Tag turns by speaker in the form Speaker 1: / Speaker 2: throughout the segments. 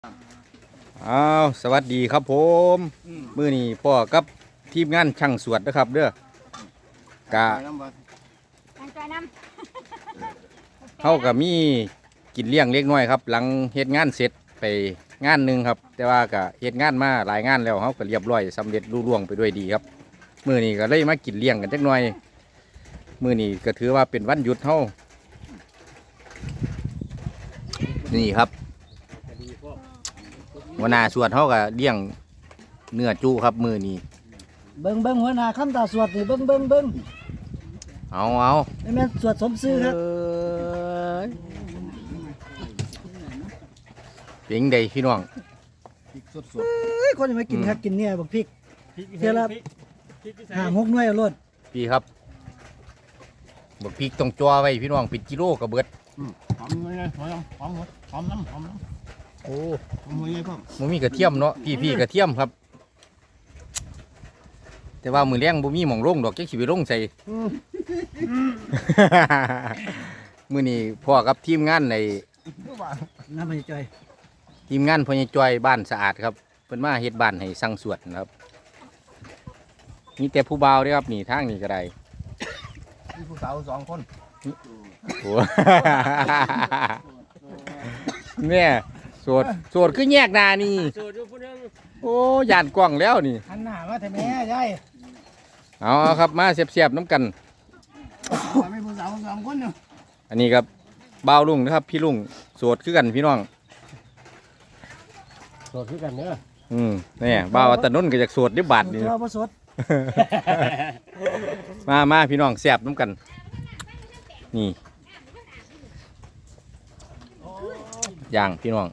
Speaker 1: อ้าวสวัสดีครับผมมื้อนี้พ่อกับทีมงานช่างสวดนะครับเด้อกะเฮาก็มีกินเลี้ยงเล็กน้อยครับหลังเฮ็ดงานเสร็จไปงานหนึงครับแต่ว่าก็เฮ็ดงานมาหลายงานแล้วเฮาก็เรียบร้อยสำเร็จลุล่วงไปด้วยดีครับมื้อนี้ก็เลยมากินเลี้ยงกันจักหน่อยมื้อนี้ก็ถือว่าเป็นวันหยุดเฮานี่ครับหัวหน้าสวดเฮาก็เลี้ยงเนื้อจุครับมื้อนี้
Speaker 2: เบิ่งหัวหน้าคำตาสวดนี่เบิ่ง
Speaker 1: เอา
Speaker 2: นี่แม่นสวดสมซื่อครับ
Speaker 1: เป็นไงพี่น้อง
Speaker 2: เอ้ยคนยังไม่กินครับกินเนี่ยบักพริกเท่าละ5-6หน่วยเอาโลด
Speaker 1: พี่ครับบักพริกต้องจ่อไว้พี่น้องเป็นกิโลกระเบิด
Speaker 3: หอมเลยหอมน้ำ
Speaker 1: โอ้
Speaker 3: หอมเลยพ่อ
Speaker 1: มันมีกระเทียมเนาะพี่กระเทียมครับ แต่ว่ามือแรงบ่มีหม่องลงดอกจักสิไปลงใส่ มื้อนี้พ่อกับทีมงานใน
Speaker 2: น้ำมันจ่อย
Speaker 1: ทีมงานพ่อใหญ่จ้อยบ้านสะอาดครับเพิ่นมาเฮ็ดบ้านให้สั่งสวดนะครับมีแต่ผู้บ่าวเด้อครับนี่ทางนี้ก็ได้
Speaker 3: มีผู้สาว2 คน
Speaker 1: โอ้ เนี่ยโสดคือแยกหน้านี่โอ้ย่านกว้างแล้วนี่
Speaker 2: หันหน้ามาแต่แม่ยาย
Speaker 1: เอาครับมาเสียบๆน้ำกัน
Speaker 3: มีผู้สาว2 คนเนาะ
Speaker 1: อันนี้ครับบ่าวลุงนะครับพี่ลุงโสดคือกันพี่น้อง
Speaker 3: โสดคือกันเด้อ
Speaker 1: เนี่ยบ่าวตะนุ่นก็อยากโสดดิบาทนี่
Speaker 2: เราบ่สด
Speaker 1: มาพี่น้องเสียบน้ำกันนี่ย่างพี่น้อง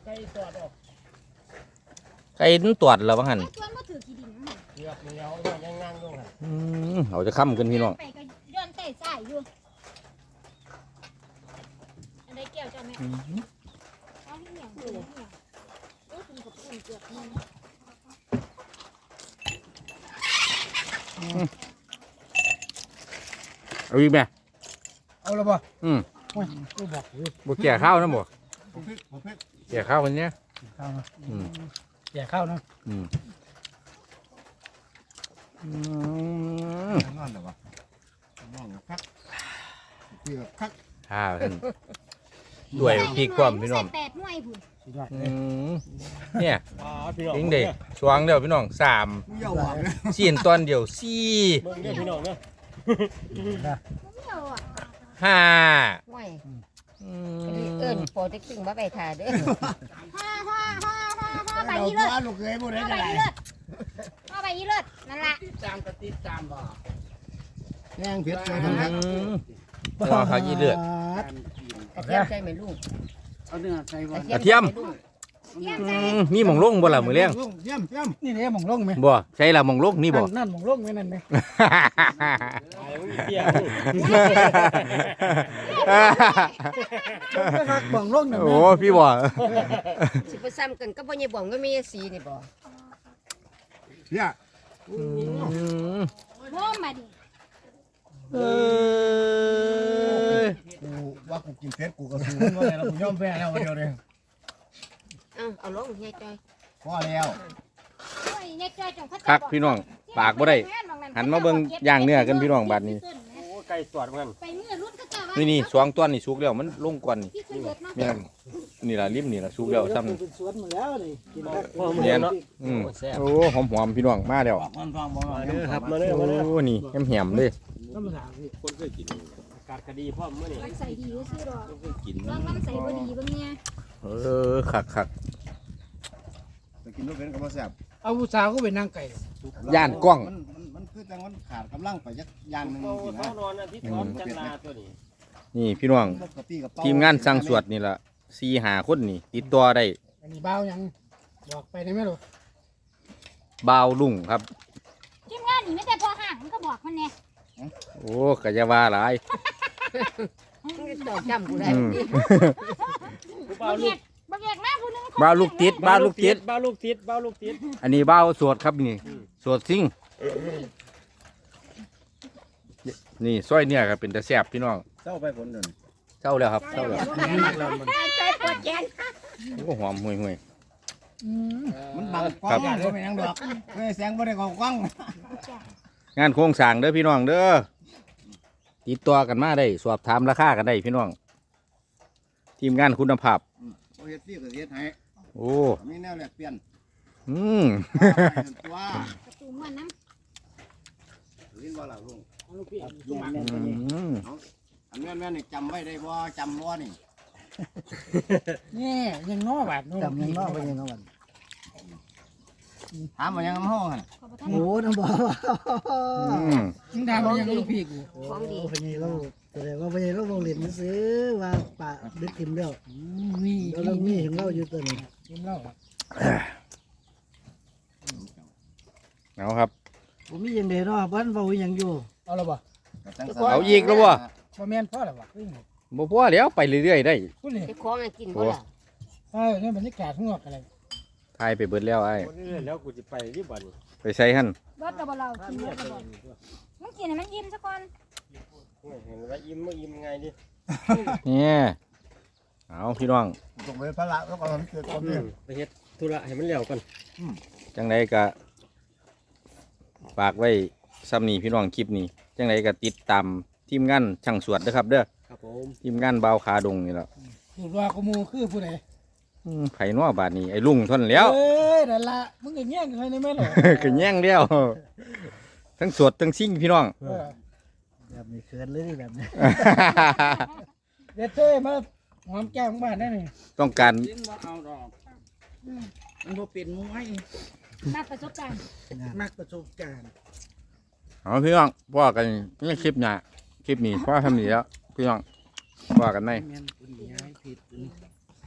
Speaker 1: ไก่นั่นตรวจแล้วบ้างหัน
Speaker 4: ชวนมาถือขี้ดินมา
Speaker 3: เกือบเหนียวยังงางด้วยค่ะ
Speaker 1: เอาจะค้ำกันพี่น้อง
Speaker 4: ไปก็ย้อนใส่ใส่อยู่อันใดแก้วจ้าแม่เอาที่เหนียวเหนียวโอ้คุณกับคุณเกือบมึง
Speaker 1: เอาอีกไหม
Speaker 2: เอาละบ่
Speaker 1: บ่
Speaker 2: กูบอกอยู่
Speaker 1: บ่แก่ข้าวนะบ่
Speaker 3: ผมพริก
Speaker 1: แก่ข้าววันนี้
Speaker 2: ข้าวนะ
Speaker 1: อืม
Speaker 2: แก่ข้าวนะ
Speaker 3: นอนหรอวะนอนกับคักพี่กับคัก
Speaker 1: ข้าวท่านด้วยพี่ความพี่น้อง
Speaker 4: ใส่8หน่วยพุ่น
Speaker 2: สุดยอด
Speaker 1: เนี่ย
Speaker 3: พี่น้อง
Speaker 1: ยิงเด็กสวงเดียวพี่น้อง3
Speaker 3: มึงอย่าหวังนะ
Speaker 1: สี่ตอนเดียว4
Speaker 3: เบิ่งเด้อพี่น้องเด้อ
Speaker 4: เดียวอ่ะ
Speaker 1: 5
Speaker 5: ห่วยเอิ้นโปรเจกต์มาไปถ่ายเด้อ
Speaker 4: ฮ่าใบ
Speaker 3: เรา
Speaker 4: อีเลิศ
Speaker 3: ว่าลูกเคยบ่ได้
Speaker 4: ใบ
Speaker 3: จะได้
Speaker 4: อีเลิศใบอีเลิศนั่นล่ะ
Speaker 3: แห้งเผ็ดเลยทั้งนั้น
Speaker 1: ว่าเขายี่เลือด
Speaker 5: กระเทียมใส่ไหมลูก
Speaker 3: เอาเนื้อใส่บ่
Speaker 1: กระเทียม
Speaker 4: เยี่ยมใจ
Speaker 1: มีหม่องลงบ่ล่ะมื้อแรง
Speaker 3: เยี่ยม
Speaker 2: นี่เนี่ยหม่องลงไหม
Speaker 1: บ่ใช่ล่ะหม่องลงนี่บ่
Speaker 2: นั่นหม่องลงไหมนั่นไหมไปคักหม่องลงนั่น
Speaker 1: โอ้
Speaker 2: แม่
Speaker 1: พี่บ่
Speaker 5: สิไปซ้ำกันก็บ่ยายบ่องก็มีสีนี่บ่
Speaker 3: เนี่ย
Speaker 4: โม่มาดิ
Speaker 1: เอ้ย
Speaker 3: กูว่ากูกินเผ็ดกูก็สู้มันว่าไงแล้วกูยอมแพ้แล้วเดียวเลย
Speaker 5: เอาลงยายจอย
Speaker 3: พอแล้ว
Speaker 4: โอ้ยเนี่ยจอยจังเขา
Speaker 1: คักพี่น้องปากบ่ได้หันมาเบิ่งย่างเนื้อกันพี่น้องบัดนี้
Speaker 3: ไก่สวดมัน
Speaker 4: ไปมือรุ่นก็จะว่า
Speaker 1: นี่สวงตัวนี่สุกแล้วมันลงก่อนนี่
Speaker 4: พี่คือเลิศเนาะ
Speaker 1: แม่นนี่ล่ะริมนี่ล่ะสุกแล้วซ้ำ
Speaker 2: เป็นสวนหมดแล้วนี่กินคัก
Speaker 1: แม่นโอ้หอมๆพี่น้องมาแล้ว
Speaker 3: มันฟังบ่หน่อย
Speaker 1: ครับมาเด้อโอ้นี่แหมๆเลย
Speaker 2: ธรรมดาพี่
Speaker 3: คนเคยกินกาดคดีพ่อมื้อนี้
Speaker 4: มันใส่ดีก็ซื้อดอก
Speaker 3: เคยกิน
Speaker 4: ลองใส่บ่ดีบ้างเนี่ย
Speaker 1: คัก
Speaker 3: ไปกินลูกเป็นก็บ่แซ่บ
Speaker 2: เอาผู้สาวก็ไปนั่งไก่
Speaker 1: ย่านกล้อง
Speaker 3: มันคือจังมันขาดกำลังไปจักอย่างหนึงสินะ
Speaker 6: นอนอาทิตย์พร้อมจันลาตัวนี้
Speaker 1: นี่พี่น้องทีมงานสร้างสวดนี่ล่ะ4-5คนนี่ติดต่อได้
Speaker 2: อันนี้บ้าวยังบอกไปได้ไหมลูก
Speaker 1: บ่าวลุงครับ
Speaker 4: ทีมงานนี่ไม่แต่พอห่างมันก็บอกมันเนี่ย
Speaker 1: โอ้ก็จะว่าหลาย
Speaker 5: จอดจำกูได้
Speaker 4: บางแยกมาผู้นึง
Speaker 1: บ่าวลูกติดบ่าวลูกติด
Speaker 6: บ้าลูกติดบ้าลูกติด
Speaker 1: อันนี้บ่าวสวดครับนี่สวดซิ่งนี่ซอยเนี่ยครับเป็นตะแซ่บพี่น้อง
Speaker 3: เจ้าไปผลเดิน
Speaker 1: เจ้าแล้วครับเจ้าแล้ว
Speaker 5: จอยปวดแขน
Speaker 1: โอ้หอมห่วย
Speaker 3: มันบังกล้องบ่เป็นหยังดอกเฮ้ยแสงบ่ได้เข้ากล้อง
Speaker 1: งานโครงสร้างเด้อพี่น้องเด้อติดต่อกันมาได้สอบถามราคากันได้พี่น้อง ทีมงานคุณภาพ
Speaker 3: เอาเฮ็ดพี่ก็เฮ็ดให้
Speaker 1: โอ้
Speaker 3: มีแนวแลกเปลี่ยน
Speaker 1: อืม
Speaker 3: ตัว
Speaker 4: ประตูม่วนน้
Speaker 3: ลินบ่ล่ะลุง
Speaker 6: ลูกพี่
Speaker 1: อืม
Speaker 3: อันแม่นนี่จำไว้ได้บ่จำบ่นี่
Speaker 2: นี่ยังน้อบาดจำยังน้อไปยังน้อบัด
Speaker 3: ถามว่ายังห้องหั่น
Speaker 4: ำขอประทาน
Speaker 2: โอ้น้ำบ่
Speaker 1: อืม
Speaker 2: มึงถามยังลูกพี่กู
Speaker 5: ของดี
Speaker 2: พญาเราแสดงว่าพญาเราลงเล่นมันซื้อว่าป่าดึกทิมแล้วมีเรามีถึงเราอยู่ตัวนี้ทิมเรา
Speaker 1: เอาครับ
Speaker 2: ผมมีอย่างเดียวเนาะบ้านเบาอย่างอยู่เอาละบ่
Speaker 3: ก็จัง
Speaker 1: เอาอีกแล้วบ่
Speaker 2: บ่แม่นพ่อละบ่
Speaker 1: บ่พอแล้วไปเรื่อยๆได้
Speaker 2: พูดเลย
Speaker 5: จะของกินบ่ล่ะ
Speaker 2: เนี่ยบรรยากาศข้างนอกอะไร
Speaker 1: ทายไปเบิดแล้วไอ้
Speaker 6: คนนี้แล้วกูจะไปที่บ้านนี่
Speaker 1: ไปใส่หั่น
Speaker 4: รถเราบ่เรากินรถเราบ่มันกินให้มันยิ้มซะก่อน
Speaker 6: เห็นว่าอิ่มไม่อิ่มไงดิ
Speaker 1: เนี่ยเอาพี่น้อง
Speaker 3: ต้องไปพระแล้วก็มันเกิดความเดือด
Speaker 6: ไปเฮ็ดธุระให้มันแล้วกัน
Speaker 1: จังไดก็ฝากไว้ซ้ำนี้พี่น้องคลิปนี้จังไดก็ติดตามทีมงานช่างสวดเด้อครับเด้อ
Speaker 6: ครับผม
Speaker 1: ทีมงานเบาวขาดงนี่แหละ
Speaker 2: สูตรว่าขโมยคือผู้ใด
Speaker 1: ไผนัวบาดนี้ไอ้ลุงทนแล้ว
Speaker 2: เอ้ยนั่นละมึงก็แย่งกันในแม่หรอ
Speaker 1: ก็แย่งแล้วทั้งสวดทั้งซิ่งพี่น้อง
Speaker 2: แบบนี้เขินเลยแบบนี้เด็ดเต้มาหอมแก้มบ้านได้นี่
Speaker 1: ต้องการ
Speaker 2: เอาดอกมันบ่เป็นมวย
Speaker 4: นักประสบการณ์
Speaker 2: มักประสบการณ์
Speaker 1: เอาพี่น้องว่ากันในคลิปหน้าคลิปนี้พอทำนี้แล้วพี่น้องว่ากันไหม
Speaker 2: แม่นคุณย้ายผิด